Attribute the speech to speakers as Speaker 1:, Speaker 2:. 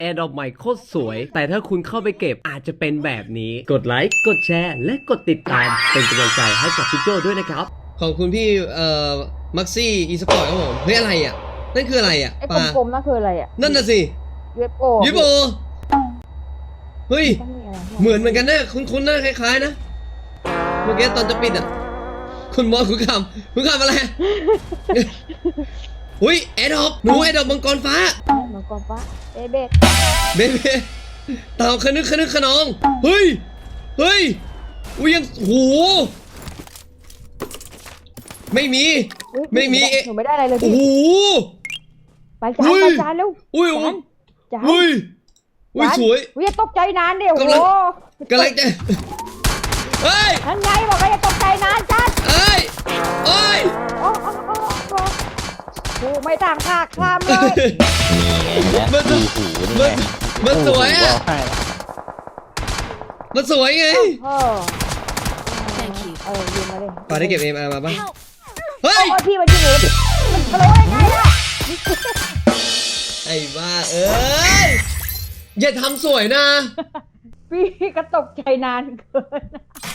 Speaker 1: แอร์ดรอปใหม่โคตรสวยแต่ถ้าคุณเข้าไปเก็บอาจจะเป็นแบบนี้กดไลค์กดแชร์และกดติดตามเป็นกำลังใจให้กับพี่โจด้วยนะครับขอบคุณพี่มักซี่อีสปอร์ตครับผมเฮ้ยอะไรอ่ะนั่นคืออะไรอ่ะ
Speaker 2: ไอ้กลมๆนั่นคืออะไรอ่ะ
Speaker 1: นั่นน่ะสิ
Speaker 2: UFO
Speaker 1: ยูโบเฮ้ยเหมือนกันนะคุ้นๆหน้าคล้ายๆนะเมื่อกี้ตอนจะปิดอ่ะคุณมอสคุณคำอะไรอุ้ยแอดดอปหนูแอดดอปมังกรฟ้า
Speaker 2: มังกรฟ้าเบเ
Speaker 1: บ้เต่าขนึกขนองเฮ้ยอุ้ยยังโหไม่มี
Speaker 2: หนูไม่ได้อะไรเลยพี่
Speaker 1: โอ้โห
Speaker 2: ไปจานเร็ว
Speaker 1: อุ้ยสวย
Speaker 2: อย่าตกใจนานเดี๋ยวโอ้
Speaker 1: กำลังจะเฮ้ย
Speaker 2: นั่นไงบอกว่าอย่าตกใจนานจัด
Speaker 1: เอ้ยโ
Speaker 2: อ้ไม่ต่างค่าข้ามเลย
Speaker 1: มันสวยอ่ะมันสวยไง
Speaker 2: ยืมมาเลย
Speaker 1: ปาได้เก็บเอ็มอาร์มาป่ะเฮ้ย
Speaker 2: พี่มันยิงมันรู้ยังไงล่ะ
Speaker 1: ไอ้บ้าเอ้ยอย่าทำสวยนะ
Speaker 2: พี่ก็ตกใจนานเกิน